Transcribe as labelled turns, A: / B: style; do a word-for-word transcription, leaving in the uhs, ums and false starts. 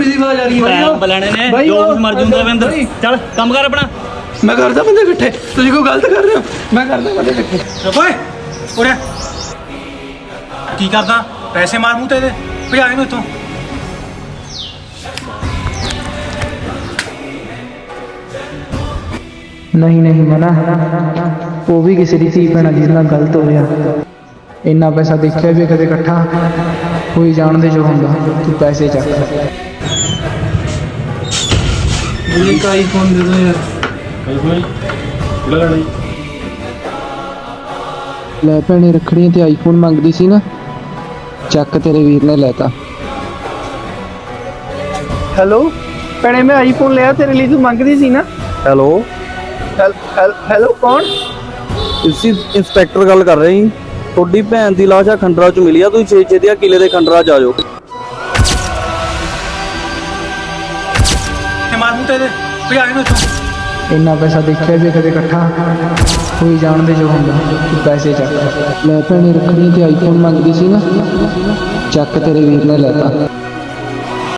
A: ਦੀ ਆਵਾਜ਼ ਆ ਰਹੀ ਹੈ
B: ਬਲਾਣੇ ਨੇ ਜੋ ਕੁਝ ਮਰ ਜੂੰਗਾ ਰਵਿੰਦਰ ਚੱਲ ਕੰਮ ਕਰ ਆਪਣਾ
A: ਮੈਂ ਕਰਦਾ ਬੰਦੇ ਇਕੱਠੇ ਤੁਸੀਂ ਕੋਈ ਗਲਤ ਕਰ ਰਹੇ ਹੋ ਮੈਂ ਕਰਦਾ ਬੰਦੇ ਇਕੱਠੇ
C: ਓਏ ਉਰੇ ਕੀ ਕਰਦਾ ਪੈਸੇ ਮਾਰ ਮੂੰਹ ਤੇ ਇਹਦੇ ਭਜਾ ਇਹਨੂੰ ਇੱਥੋਂ
D: नहीं नहीं मना वो भी किसी की धी भैन जिस नाल गलत हो गया इन्ना पैसा देखिया भी कदे इकट्ठा कोई जानते जो होंदा तू पैसे चक
A: एक आईफोन दे दो यार
D: ਲੈ ਭੈਣੇ ਰੱਖੜੀਆਂ ਤੇ ਆਈਫੋਨ ਮੰਗਦੀ ਸੀ ਨਾ ਚੱਕ ਤੇਰੇ ਵੀਰ ਨੇ ਲੈਤਾ ਹੈਲੋ ਭੈਣੇ ਮੈਂ ਆਈਫੋਨ ਲਿਆ ਤੇਰੇ ਲਈ ਤੂੰ ਮੰਗਦੀ ਸੀ ਨਾ
E: ਹੈਲੋ
D: ਹੈਲੋ ਕੌਣ
E: ਤੁਸੀਂ ਇੰਸਪੈਕਟਰ ਗੱਲ ਕਰ ਰਹੇ ਜੀ ਤੁਹਾਡੀ ਭੈਣ ਦੀ ਲਾਸ਼ ਆ ਖੰਡਰਾ ਚ ਮਿਲੀ ਆ ਤੁਸੀਂ ਛੇ ਛੇ ਦੇ ਕਿਲੇ ਦੇ ਖੰਡਰਾ ਚ ਆ ਜਾਓ
C: ਤੇ ਮਾਰ ਮੂੰਹ ਤੇ ਇਹਦੇ ਭਜਾ ਇਹਨੂੰ ਇੱਥੋਂ
D: ਇੰਨਾ ਪੈਸਾ ਦੇਖਿਆ ਵੀ ਕਦੇ ਇਕੱਠਾ ਕੋਈ ਜਾਣਦੇ ਜੋ ਹੁੰਦਾ ਤੂੰ ਪੈਸੇ ਚੱਕ ਲੈ ਭੈਣੇ ਰੱਖੜੀਆਂ ਤੇ ਆਈਫੋਨ ਮੰਗਦੀ ਸੀ ਨਾ ਚੱਕ ਤੇਰੇ ਵੀਰ ਨੇ ਲੈਤਾ